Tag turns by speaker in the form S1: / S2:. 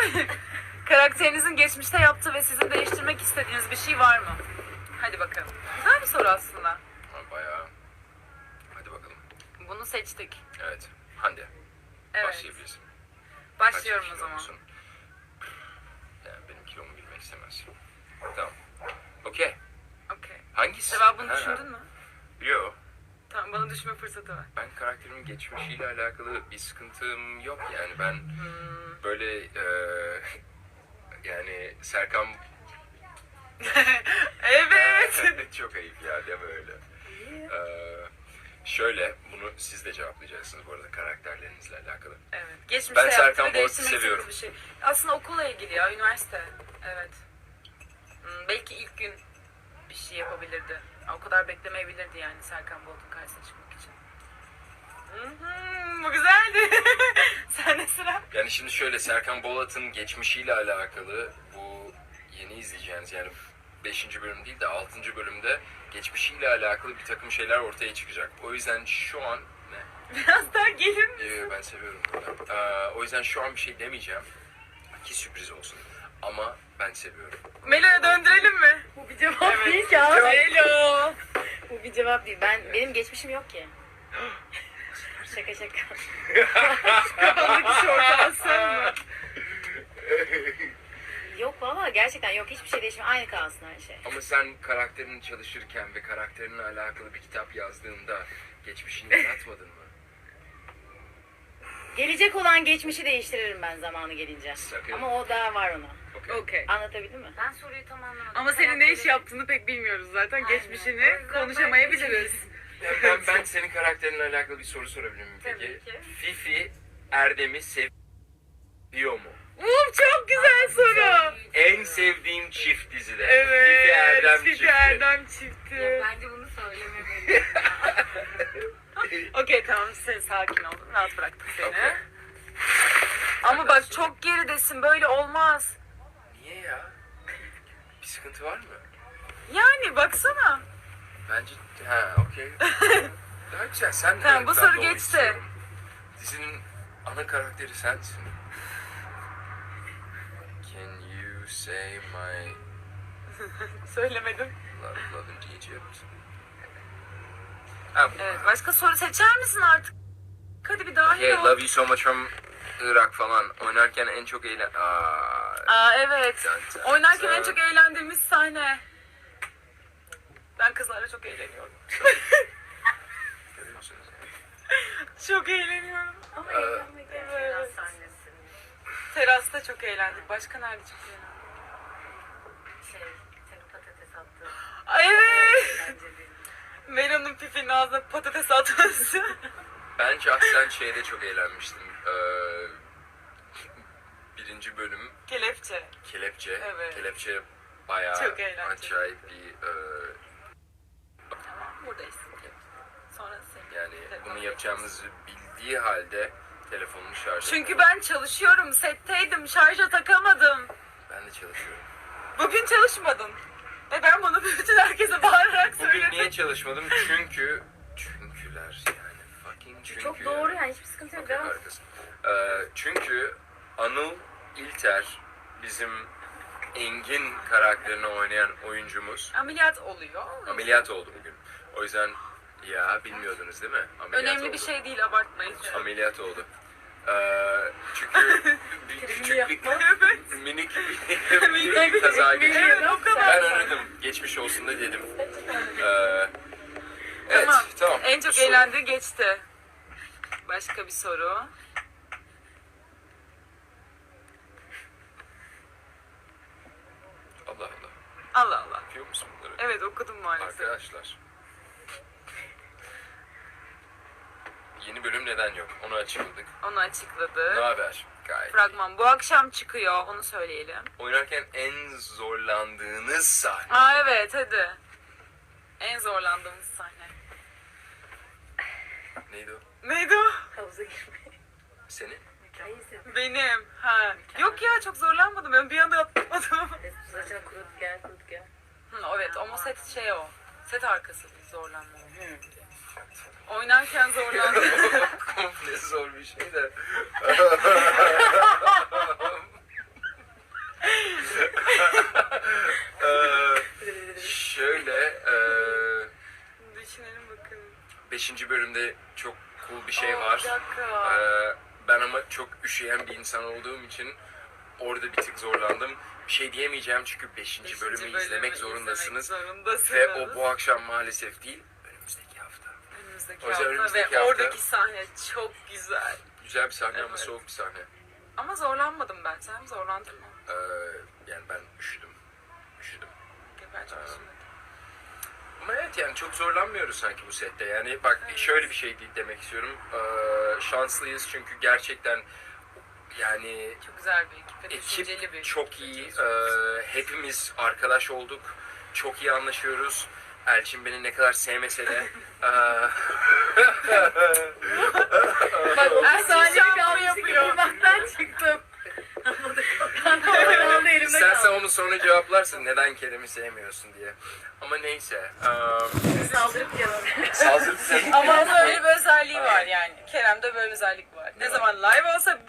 S1: Karakterinizin geçmişte yaptığı ve sizin değiştirmek istediğiniz bir şey var mı? Hadi bakalım. Güzel bir soru aslında.
S2: Bayağı. Hadi bakalım.
S1: Bunu seçtik.
S2: Evet. Hande.
S1: Evet.
S2: Başlayabilirsin.
S1: Başlıyorum
S2: Kaç
S1: o
S2: kilo
S1: zaman.
S2: musun? Yani benim kilomu bilmek istemez. Tamam. Okey.
S1: Okey.
S2: Hangisi?
S1: Cevabını
S2: Ha,
S1: düşündün mü?
S2: Yo.
S1: Tamam, bana düşme fırsatı ver.
S2: Ben karakterimin geçmişiyle alakalı bir sıkıntım yok yani. Ben böyle yani Serkan
S1: Evet.
S2: çok ayıp ya deme öyle. Şöyle bunu siz de cevaplayacaksınız bu arada karakterlerinizle alakalı.
S1: Evet. Geçmişte
S2: Ben
S1: yaptığı
S2: Serkan
S1: ve
S2: Boğaz'ı
S1: değiştirmek
S2: seviyorum.
S1: istediğiniz bir şey. Aslında okulla ilgili ya, üniversite. Evet. Belki ilk gün bir şey yapabilirdi. O kadar beklemeyebilirdi yani Serkan Bolt'un karşısına çıkmak için. Bu güzeldi. Sen de sıra.
S2: Yani şimdi şöyle Serkan Bolat'ın geçmişiyle alakalı bu yeni izleyeceğiniz yani 5. bölüm değil de 6. bölümde geçmişiyle alakalı bir takım şeyler ortaya çıkacak. O yüzden şu an
S1: Biraz daha gelir misin?
S2: ben seviyorum bunu. O yüzden şu an bir şey demeyeceğim ki sürpriz olsun. Ama ben seviyorum.
S1: Melo'ya döndürelim mi?
S3: Bu bir cevap değil ki abi.
S1: Melo.
S3: Bu bir cevap değil. Benim geçmişim yok ki. Şaka şaka.
S1: Kafandaki şortu alsın mı?
S3: Yok valla gerçekten yok. Hiçbir şey değişmiyor. Aynı kalsın her şey.
S2: Ama sen karakterini çalışırken ve karakterinle alakalı bir kitap yazdığında geçmişini yaratmadın mı?
S3: Gelecek olan geçmişi değiştiririm ben zamanı gelince.
S2: Sakın.
S3: Ama o daha var ona.
S2: Okey.
S1: Okey.
S3: Anlatabildim mi?
S4: Ben soruyu tam anlamadım.
S1: Ama senin ne iş yaptığını pek bilmiyoruz zaten.
S4: Aynen.
S1: Geçmişini
S4: O yüzden
S1: konuşamayabiliriz.
S2: Ben senin karakterinle alakalı bir soru sorabilir miyim peki?
S4: Tabii ki.
S2: Fifi Erdem'i seviyor mu?
S1: Çok güzel soru.
S2: En sevdiğim çift dizide.
S1: Evet.
S2: Fifi Erdem
S1: Fifi
S2: çifti.
S1: Erdem çifti.
S4: Ya bence bunu söylememeliyim.
S1: Okey tamam, sen sakin ol. Rahat bıraktım seni.
S2: Okey.
S1: Ama bak çok geridesin, böyle olmaz.
S2: Niye ya? Bir sıkıntı var mı?
S1: Yani baksana.
S2: Bence okey. Daha güzel sen de
S1: Tamam, bu
S2: ben
S1: soru
S2: de onu
S1: geçti.
S2: istiyorum. Dizinin ana karakteri sensin. Can you say my
S1: Söylemedim.
S2: love in Egypt?
S1: Evet, başka soru seçer misin artık? Hadi bir dahil
S2: Okay,
S1: ol.
S2: love you so much from Irak falan. Oynarken en çok
S1: Evet. Oynarken en çok eğlendiğimiz sahne. Ben kızlarla çok eğleniyorum.
S2: Görüyorsunuz.
S1: Çok eğleniyorum.
S4: Ama
S2: Ee,
S4: eğlenmek
S1: evet.
S4: biraz sahnesini.
S1: Terasta çok eğlendik. Başka nerede çok eğlendik?
S4: Senin patates attığın.
S1: Ay evet.
S4: Bence değil.
S1: Melo'nun Pipi'nin ağzına patates atması.
S2: Ben şahsen şeyde çok eğlenmiştim. 1. bölüm
S1: Kelepçe.
S2: Kelepçe.
S1: Evet.
S2: Kelepçe bayağı
S1: Çok eğlenceli.
S2: acayip bir
S1: Tamam, buradayız. Sonra sen.
S2: yani
S1: Telefonu
S2: bunu yapacağımızı bildiği halde telefonunu şarj
S1: Çünkü ben çalışıyorum, setteydim, şarja takamadım.
S2: ben de çalışıyorum.
S1: Bugün çalışmadın. Ve ben bunu bütün herkese bağırarak
S2: Bugün
S1: söyledim.
S2: niye çalışmadım? Çünküler yani fucking çünkü.
S3: Çok doğru yani hiçbir sıkıntı yok.
S2: Okey,
S3: Devam.
S2: harikasın. Çünkü Anıl İlter bizim Engin karakterini oynayan oyuncumuz
S1: Ameliyat oluyor.
S2: ameliyat oldu bugün. O yüzden ya bilmiyordunuz değil mi? Ameliyat
S1: Önemli
S2: oldu.
S1: bir şey değil, abartmayın.
S2: Ameliyat oldu. Çünkü küçük bir
S1: Evet.
S2: minik bir kaza geçirdi.
S1: Evet, o kadar.
S2: Ben aradım. Geçmiş olsun da dedim. Evet, tamam.
S1: En çok
S2: Soru.
S1: eğlendiği geçti. Başka bir soru.
S2: Allah Allah.
S1: Allah Allah.
S2: Okuyor musun bunları?
S1: Evet, okudum maalesef.
S2: Arkadaşlar. Yeni bölüm neden yok? Onu açıkladık.
S1: Onu
S2: Ne
S1: açıkladı.
S2: haber? Gayet.
S1: Fragman bu akşam çıkıyor, onu söyleyelim.
S2: Oynarken en zorlandığınız sahne.
S1: Aa evet, hadi. En zorlandığımız sahne.
S2: Neydi o?
S1: Neydi o?
S3: Havuza girmeyi.
S2: Senin?
S3: Hayır sen.
S1: Benim. Ha. Yok ya, çok zorlanmadım. Ben bir anda atlamadım.
S3: Saçına kurut gel.
S1: Evet, ama set şey o. Set arkası zorlanma. Oynarken zorlandım.
S2: Komple zor bir şey de. bölümde çok cool bir şey var.
S1: Bir dakika.
S2: Ben ama çok üşüyen bir insan olduğum için orada bir tık zorlandım. Bir şey diyemeyeceğim çünkü 5. bölümü izlemek zorundasınız. Ve o bu akşam maalesef değil, önümüzdeki hafta.
S1: Önümüzdeki
S2: O yüzden
S1: hafta
S2: önümüzdeki
S1: ve
S2: hafta-
S1: oradaki sahne çok güzel.
S2: Güzel bir sahne ama
S1: Evet.
S2: soğuk bir sahne.
S1: Ama zorlanmadım ben. Sen zorlandın mı?
S2: Yani ben üşüdüm.
S1: Ben çok üzüldüm.
S2: Ama evet yani çok zorlanmıyoruz sanki bu sette. Yani bak şöyle bir şey demek istiyorum. Şanslıyız çünkü gerçekten yani
S1: Çok güzel bir ekip ve düşünceli bir
S2: ekip çok iyi.
S1: ekip.
S2: Hepimiz arkadaş olduk. Çok iyi anlaşıyoruz. Elçin beni ne kadar sevmese de
S3: Bak o
S1: Erkek
S3: sahneyi
S1: şampu
S3: kalmıştı
S1: yapıyor.
S3: yapıyor. çıktım. Ben de oradan elimde
S2: istersen
S3: kaldım.
S2: onu sonra cevaplarsın neden Kerem'i sevmiyorsun diye. Ama neyse.
S3: Saldırıp yanım.
S2: Saldırı
S1: Ama onun öyle bir özelliği var yani. Kerem'de böyle bir özellik var. Ne zaman live olsa